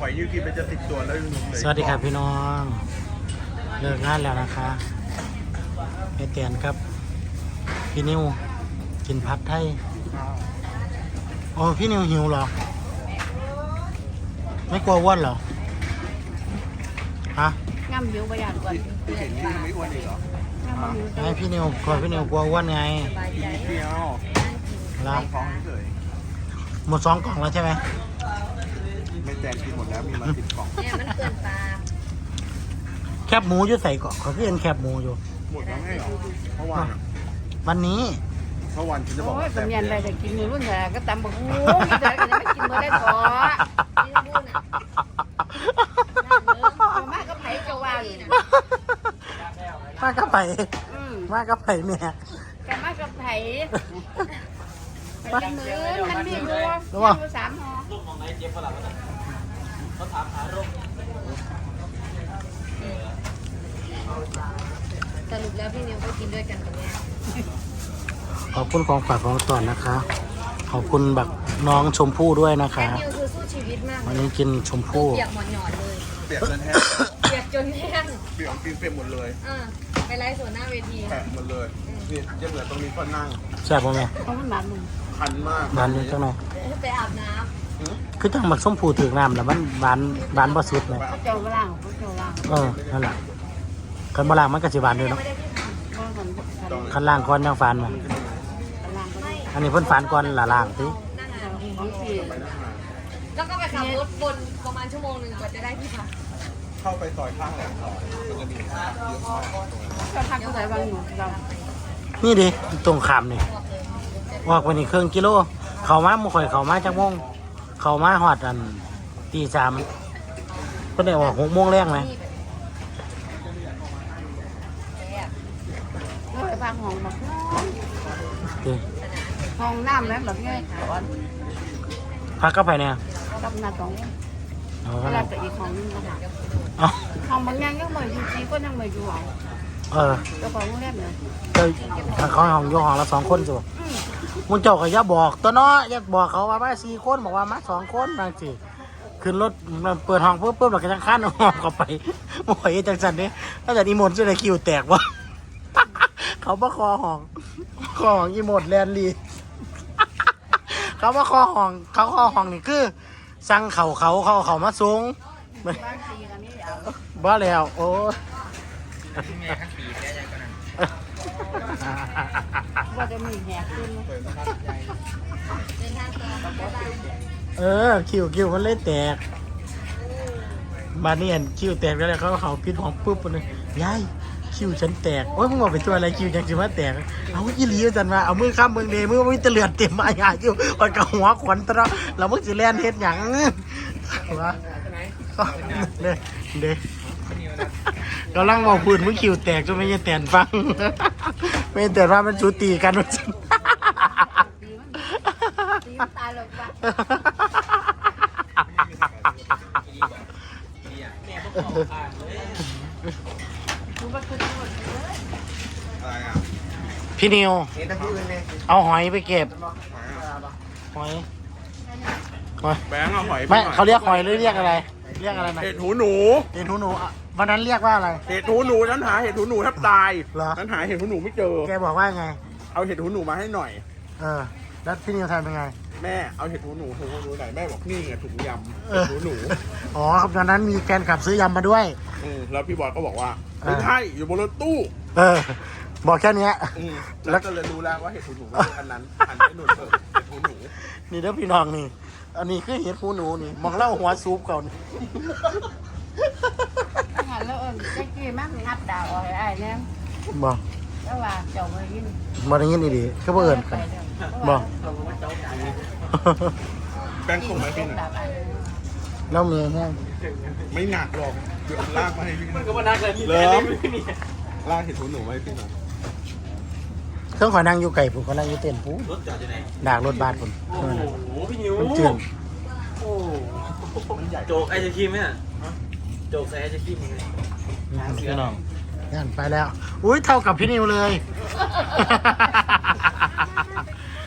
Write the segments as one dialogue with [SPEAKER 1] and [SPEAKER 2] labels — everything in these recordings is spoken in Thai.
[SPEAKER 1] อยยืดกินไปจะ10 ตัวแล้วยังหนุ่มเลย
[SPEAKER 2] สวัสดีครับพี่น้องเลิกงานแล้วนะคะไอเตียนครับพี่นิวกินผัดไทยโอ้พี่นิวหิวเหรอไม่กลัวอ้วนเหรอฮะ
[SPEAKER 3] ง่ำหิวประหยัดก่อน
[SPEAKER 1] พี่เห็นนี่ไม่อ้วนอีกเหรอ
[SPEAKER 3] ง่ำหิว
[SPEAKER 2] ไอพี่นิวกลัวพี่นิวกลัวอ้วนไง
[SPEAKER 1] กินนิดเดียว
[SPEAKER 2] แล้ว
[SPEAKER 1] ท้องเฉย
[SPEAKER 2] หมด2 กล่องแล้วใช่ไหม
[SPEAKER 1] ไม่แจกกินหมดแล้วมีมา10 กล่อง
[SPEAKER 3] เนี่ยมันเกินตา
[SPEAKER 2] แคบหมูอยู่ใส่กล่องเขาคือเห็นแคบหมูอยู่
[SPEAKER 1] หมดแล้วไงเหรอเมื่อวานอะ
[SPEAKER 2] วันนี้
[SPEAKER 1] เมื่อวานฉันจะบอก
[SPEAKER 3] โอ้ย
[SPEAKER 1] ว่าแซ่
[SPEAKER 3] ตำ
[SPEAKER 1] บ
[SPEAKER 3] เนียนอะไรจะกินในรุ่นแต่ก็ตำบักหูมีแต่ก็จะไม่กินมาได้ถอกินรุ่นอ่ะมากก็ไผ่เจ้าว่าอยู่นะ
[SPEAKER 2] มากก็ไปมากก็ไปแม่
[SPEAKER 3] กันมากก็ไผ่ไปมือมันมีรัวอยู่3 ห่อสรุปแล้วพี่นิวก็กินด้วยกันตรงนี้
[SPEAKER 2] ขอบคุณของฝากของตอนนะคะ ขอบคุณแบบน้องชมพู่ด้วยนะคะ
[SPEAKER 3] แค่นิวคือสู้ชีวิตมาก
[SPEAKER 2] วันนี้กินชมพู่
[SPEAKER 3] เปียกหมอนหยอดเลย
[SPEAKER 1] เปียกจนแห้ง
[SPEAKER 3] เปียกจนแห้ง
[SPEAKER 1] เปียกกินเปียกหมดเลย
[SPEAKER 3] ไปไลฟ์สดหน้าเวที
[SPEAKER 1] แฉะหมดเลยนี่ยังเหลือตรงนี้ก็นั่ง
[SPEAKER 2] แซ่บป่ะแม่
[SPEAKER 3] เพราะมันหวานมึง
[SPEAKER 1] คันมาก
[SPEAKER 2] หวานอยู่จังไหน
[SPEAKER 3] ไปอาบน้
[SPEAKER 2] คือจังหมักส้มผูถึงน้ำแล้วมันหวานบ่สุดเลย
[SPEAKER 3] ำเจ้าล่างเจ้าล่าง
[SPEAKER 2] นั่นแหละคันบ่ล่างมันก็สิหวานด้วยเนาะ
[SPEAKER 3] ก็กัน
[SPEAKER 2] คันล่างก่อนยังฝานมา
[SPEAKER 3] ล่างก็ได้
[SPEAKER 2] อันนี้เพิ่นฝานก่อนละล่างติ
[SPEAKER 3] ของสี่
[SPEAKER 4] แล้วก็ไปขับรถบนประมาณ1 ชั่วโมงกว่าจะได้ที่พัก
[SPEAKER 1] เข้าไปซอยข้างแหลมซอยมันจะมีภาพเยอะมาก
[SPEAKER 3] ก็พักก็ใส่บางอยู่เรา
[SPEAKER 2] นี่ดิตรงขามนี่ออกไปนี่ครึ่งกิโลเข้ามาหมู่ข่อยเข้ามาจักโมงเข้ามาฮอดอันตี 3เพิ่นได้ออก6 โมงแรงไหม
[SPEAKER 3] ก็ไปพักห้องมา
[SPEAKER 2] ติ
[SPEAKER 3] ห้องน้ำแล้วแบบนี้ก่อน
[SPEAKER 2] พักก็ไปเนี่ย
[SPEAKER 3] กับนาตอง
[SPEAKER 2] เอา
[SPEAKER 3] เว
[SPEAKER 2] ก็
[SPEAKER 3] ลา
[SPEAKER 2] ได้
[SPEAKER 3] จะอีกห้องนึงก็หา
[SPEAKER 2] เอา
[SPEAKER 3] ห้องบางอย่างยังไม่อยู่จีก็ยังไม่อยู่ห้อง
[SPEAKER 2] เออ
[SPEAKER 3] เจ้าของโรงแรมเนี่ย
[SPEAKER 2] เจ้าถ้าเขาห้องอยู่ห้องละ2 คนสิมึงเจ้าก็อย่าบอกตัวเนาะอย่าบอกเขาว่ามา4 คนบอกว่ามา2 คนบางสิขึ้นรถเปิดห้องปุ๊บเราก็จะขั้นห้องเข้าไปโอ้ยจังสันนี้ถ้าจะอีโมดจะได้คิวแตกวะ เขามาคอห้องอีโมดแลนลี เขามาคอห้องนี่คือสั่งเขามาสูง
[SPEAKER 3] บ้านตีกันนี่เอา
[SPEAKER 2] บ้าแล้วโอ้ย
[SPEAKER 3] ว่าจะมีแหกขึ้น
[SPEAKER 2] คิวมันเลยแตกมานี่เห็นคิวแตกแล้วเขาพิษของปุ๊บเลยยายคิวฉันแตกโอ้ยมึงบอกเป็นตัวอะไรคิวยังจะมาแตกเอาอีหลีจันมาเอามือข้ามมือเดมือมันจะเลือดเต็มมาอย่าคิวมันกับหัวขวัญตะเรามึงจะแล่นเฮ็ดหยังวะเด้กำลังบอกพื้นมึงคิวแตกจนไม่ยังแตนฟังไม่แต่ว่ามันจูตีกันมัน
[SPEAKER 3] ตีตายเลยว่ะ
[SPEAKER 1] อะไรอ่ะ
[SPEAKER 2] พี่นิว
[SPEAKER 1] เห็นแต่ที่อื่นเลย
[SPEAKER 2] เอาหอยไปเก็บหอย
[SPEAKER 1] แบงค์เอาหอย
[SPEAKER 2] ไม่เขาเรียกหอยหรือเรียกอะไร เรียกอะไรนะ
[SPEAKER 1] เห็ดหูหนู
[SPEAKER 2] เห็ดหูหนูอ่ะวันนั้นเรียกว่าอะไร
[SPEAKER 1] เห็ดหูหนูฉันหาเห็ดหูหนูแทบตาย
[SPEAKER 2] เหรอ
[SPEAKER 1] ฉันหาเห็ดหูหนูไม่เจอ
[SPEAKER 2] แกบอกว่าไง
[SPEAKER 1] เอาเห็ดหูหนูมาให้หน่อย
[SPEAKER 2] แล้วพี่นิวทำเป็นไง
[SPEAKER 1] แม่เอาเห็ดหูหนูไหนแม่บอกนี่ไงถุงยำ
[SPEAKER 2] เอ
[SPEAKER 1] เห็
[SPEAKER 2] อ
[SPEAKER 1] ดหูหนู
[SPEAKER 2] อ๋อครับตอนนั้นมีแฟนขับซื้อยำมาด้วย
[SPEAKER 1] แล้วพี่บอยก็บอกว่าไม่ใช่อยู่บนรถตู้
[SPEAKER 2] บอกแค่เนี้ย
[SPEAKER 1] แล้วก็เลยรู้แล้วว่าเห็ดหูหนูไม่ใช่อันนั้นอันนี้หนูเปิดเห็ดหูหนู
[SPEAKER 2] นี่เด้อพี่น้องนี่ อันนี้คือเห็ดหูหนูนี่มองเล่าหัวซูปเขานี่
[SPEAKER 3] งั้นแล้วเจ๊กี้มักงับดาวไอ้เนี่ย
[SPEAKER 2] บอก
[SPEAKER 3] แล้วว่าเจ้าไปยิน
[SPEAKER 2] บอกอย่างนี้นี่ดิก็บ่เอิญกันบอก
[SPEAKER 1] แบงค์ส่งไหมพี่หน่อย
[SPEAKER 2] แล้วมีแห้ง
[SPEAKER 1] ไม่หนักหรอกเดี๋ยวลากมาให้พี่มันก็
[SPEAKER 2] ว่านักเลย
[SPEAKER 1] เริ่มลากเห็ดหูหนูมาให้พี่หน่อย
[SPEAKER 2] เครื่องขอนั่งอยู่ไก่ผมก็นั่งอยู่เต็นท์ผม
[SPEAKER 5] รถจอดอยู่ไหน
[SPEAKER 2] ดากรถบัสผม
[SPEAKER 5] โอ้โห พี่นิว
[SPEAKER 2] มันจืด
[SPEAKER 5] โอ้โจกไอศครีมไหมอ่ะโจกใส่ไอศครีมยังไง
[SPEAKER 2] พี่น้องนั่นไปแล้ว อุ้ยเท่ากับพี่นิวเลย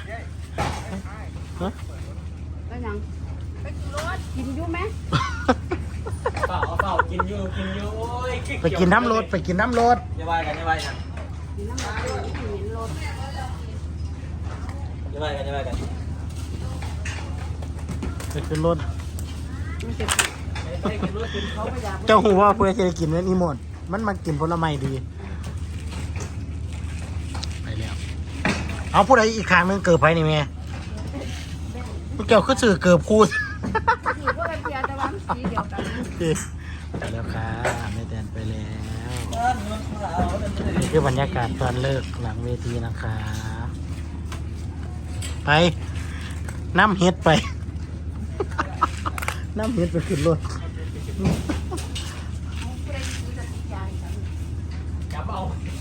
[SPEAKER 3] แล้วยังไปกินรถกินอยู่ไหม
[SPEAKER 5] กินอยู่โอ้ย
[SPEAKER 2] ไปกินน้ำรถไปกินน้ำรถ
[SPEAKER 5] อย่าว่ากันอย่าว่ากัน
[SPEAKER 3] มีน้ำมันตัวนี้เห็นรถ
[SPEAKER 5] อย่าว่ากันอย่าว่ากัน
[SPEAKER 2] ไปขึ้นรถ
[SPEAKER 3] มันจะ
[SPEAKER 5] ไปกินรถกินเขา
[SPEAKER 3] เขาไม่อยาก
[SPEAKER 2] เจ้าหูว่าเพื่อจะได้กินนั่นอีหมดมันมากินผลไม้ดีไปแล้วเอาผู้ใดอีกครั้งหนึงเกิดไปนี่แม่เกี่ยวคือสื่อเกิดพูด
[SPEAKER 3] อยู่พวกกันเพียแต่ว่ามันสีเดียวกัน
[SPEAKER 2] ไปแล้วค่ะแม่แตนไปแล้วนี่คือบรรยากาศตอนเลิกหลังเวทีนะคะ ไปน้ำเฮ็ดไป น้ำเฮ็ดไปขึ้นรถ
[SPEAKER 5] จับเอา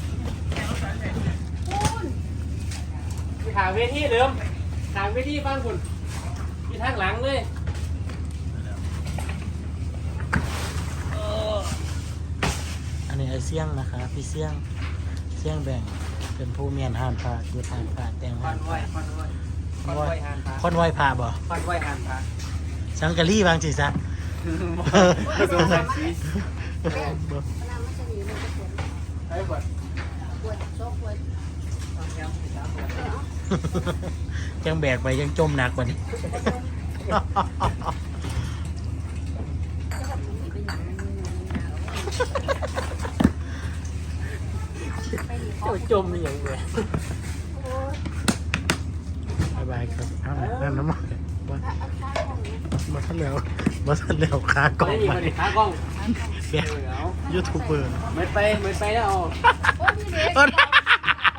[SPEAKER 5] ทางเวทีเดิมทางเวทีฟังคุณที่ทางหลังเลย
[SPEAKER 2] อันนี้ไอเสี่ยงนะคะพี่เสี่ยงแบ่งเป็นผู้เมียนห้านพระอยู่ทางพระแต่ง
[SPEAKER 5] ค
[SPEAKER 2] ห้า
[SPEAKER 5] อน น
[SPEAKER 2] พ
[SPEAKER 5] ไว้
[SPEAKER 2] ระ
[SPEAKER 5] คอนไว้คอนไว้หานพระ
[SPEAKER 2] คอนไว้พระบ่
[SPEAKER 5] คอนไว้หานพระ
[SPEAKER 2] สังกะรีบางสิซะ
[SPEAKER 5] ผสมกันชีส
[SPEAKER 3] น้ำมันจะหนีมันจะปวด
[SPEAKER 5] ไอ้บด
[SPEAKER 3] ปวดโซ่ปวด
[SPEAKER 2] ยังแบกไปยังจมหนักกว่านี้
[SPEAKER 5] เจ้าจมอย่างเงี้ย
[SPEAKER 2] บายบายครับเอาหน่อยนั่นน้ำมันมาทันแล้วขากล่อง
[SPEAKER 5] ไม่มี
[SPEAKER 2] ไป
[SPEAKER 5] คนขากล้อง
[SPEAKER 2] แกยูทูบเบอร์
[SPEAKER 5] ไม่ไปแล้ว
[SPEAKER 3] โอ้ยนี่เด็ก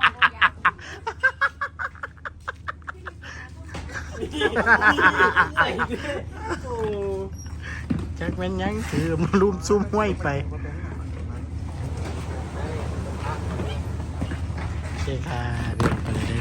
[SPEAKER 2] จักแม่นยังถือมารุมซุ่มห้วยไปโอเคค่ะเดินไปเลย